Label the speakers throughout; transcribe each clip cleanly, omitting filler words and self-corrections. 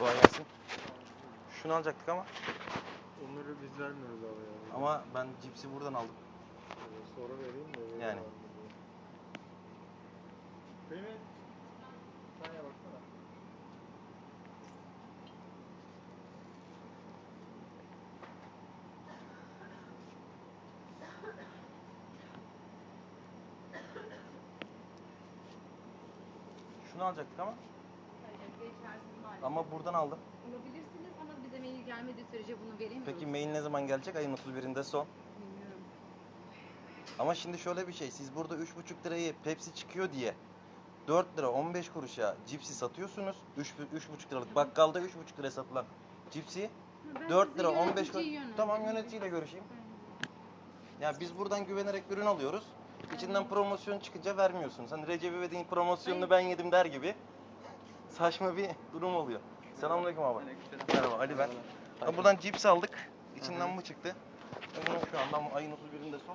Speaker 1: Kolay gelsin. Şunu alacaktık ama.
Speaker 2: Onları biz vermiyoruz abi ya.
Speaker 1: Ama ben cipsi buradan aldım.
Speaker 2: Sonra vereyim de.
Speaker 1: Yani.
Speaker 2: Değil mi? Saniye baksana.
Speaker 1: Şunu alacaktık ama.
Speaker 3: Geçersiz maalesef.
Speaker 1: Ama buradan aldım.
Speaker 3: Alabilirsiniz ama bize mail gelmediği sürece bunu veremiyoruz.
Speaker 1: Peki mail ne zaman gelecek? Ayın 31'inde son.
Speaker 3: Bilmiyorum.
Speaker 1: Ama şimdi şöyle bir şey. Siz burada 3,5 lirayı Pepsi çıkıyor diye 4 lira 15 kuruşa cipsi satıyorsunuz. 3,5 liralık bakkalda 3,5 liraya satılan cipsi
Speaker 3: Ben
Speaker 1: 4
Speaker 3: size
Speaker 1: lira 15
Speaker 3: yöneticiyi
Speaker 1: kuruş.
Speaker 3: yönlendireyim.
Speaker 1: Tamam, yöneticiyle görüşeyim. Ya biz buradan güvenerek ürün alıyoruz. İçinden promosyon çıkınca vermiyorsunuz. Hani Recep İvedik'in promosyonunu ben yedim der gibi saçma bir durum oluyor. Selamünaleyküm abi. Merhaba, Ali ben. Ha, buradan cips aldık. İçinden bu çıktı. Bunu şu anda ayın 31'inde son.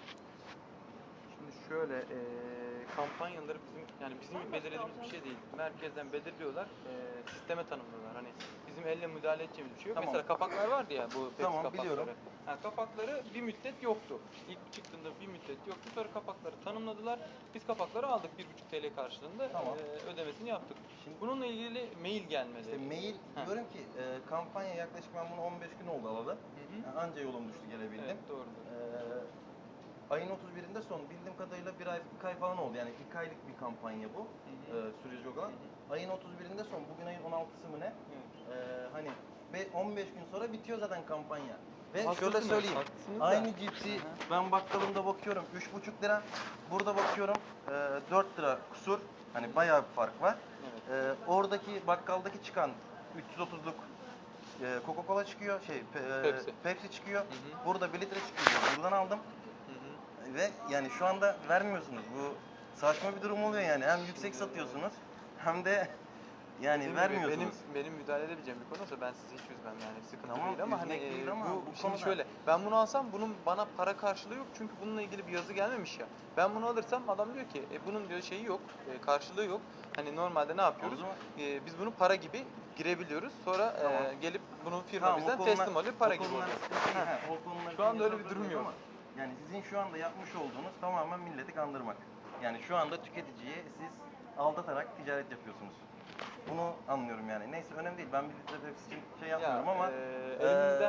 Speaker 4: Şimdi şöyle kampanyaları bizim belirlediğimiz bir şey değil. Merkezden belirliyorlar, sisteme tanımlıyorlar. Hani bizim elle müdahale edeceğimiz bir şey yok.
Speaker 1: Tamam.
Speaker 4: Mesela kapaklar vardı ya bu Pepsi
Speaker 1: Tamam,
Speaker 4: kapakları.
Speaker 1: biliyorum.
Speaker 4: Ha, kapakları bir müddet yoktu. İlk çıktığında bir müddet yoktu. Sonra kapakları tanımladılar. Biz kapakları aldık 1,5 TL karşılığında
Speaker 1: Tamam.
Speaker 4: ödemesini yaptık.
Speaker 1: Şimdi-
Speaker 4: Bununla ilgili mail gelmedi.
Speaker 1: İşte mail
Speaker 4: Ha.
Speaker 1: diyorum ki kampanya yaklaşık ben bunu 15 gün oldu alalı.
Speaker 4: Hı hı.
Speaker 1: Yani anca yolum düştü gelebildim.
Speaker 4: Evet, doğrudur.
Speaker 1: Ayın 31'inde son. Bildiğim kadarıyla bir ay falan oldu. Yani 2 aylık bir kampanya bu.
Speaker 4: Hı hı.
Speaker 1: Süreci olan.
Speaker 4: Hı hı.
Speaker 1: Ayın 31'inde son. Bugün ayın 16'sı mı ne?
Speaker 4: Evet.
Speaker 1: Hani 15 gün sonra bitiyor zaten kampanya. Ve
Speaker 4: Haklısınız,
Speaker 1: şöyle söyleyeyim.
Speaker 4: haklısınız da.
Speaker 1: Aynı cipsi
Speaker 4: Hı hı.
Speaker 1: ben bakkalımda bakıyorum 3,5 lira. Burada bakıyorum 4 lira kusur. Hani bayağı bir fark var.
Speaker 4: Evet.
Speaker 1: Oradaki bakkaldaki çıkan 330'luk Coca-Cola çıkıyor, Pepsi çıkıyor.
Speaker 4: Hı hı.
Speaker 1: Burada 1 litre çıkıyor. Buradan aldım.
Speaker 4: Hı hı.
Speaker 1: Ve yani şu anda vermiyorsunuz. Bu saçma bir durum oluyor yani. Hem yüksek satıyorsunuz hem de yani
Speaker 4: Dediğim gibi
Speaker 1: vermiyorsunuz.
Speaker 4: benim müdahale edebileceğim bir konuysa ben sizi hiç üzmem yani sıkıntı
Speaker 1: Tamam,
Speaker 4: değil ama
Speaker 1: üzmek değil ama
Speaker 4: bu
Speaker 1: bu
Speaker 4: şimdi
Speaker 1: konuda-
Speaker 4: şöyle ben bunu alsam bunun bana para karşılığı yok çünkü bununla ilgili bir yazı gelmemiş ya. Ben bunu alırsam adam diyor ki bunun diyor şeyi yok, karşılığı yok. Hani normalde ne yapıyoruz?
Speaker 1: O zaman-
Speaker 4: Biz bunu para gibi girebiliyoruz. Sonra
Speaker 1: Tamam.
Speaker 4: Gelip bunu firma
Speaker 1: Tamam, o
Speaker 4: bizden
Speaker 1: konular-
Speaker 4: teslim alıyor, para
Speaker 1: o
Speaker 4: gibi
Speaker 1: konular
Speaker 4: oluyor.
Speaker 1: sıkıntı değil. Ha, o konular
Speaker 4: Şu anda
Speaker 1: için
Speaker 4: öyle bir durum
Speaker 1: yazabiliyoruz
Speaker 4: yok.
Speaker 1: ama yani sizin şu anda yapmış olduğunuz tamamen milleti kandırmak. Yani şu anda tüketiciyi siz aldatarak ticaret yapıyorsunuz. Bunu anlıyorum yani. Neyse önemli değil. Ben bir litre Pepsi için şey yapmıyorum ama
Speaker 4: elimizden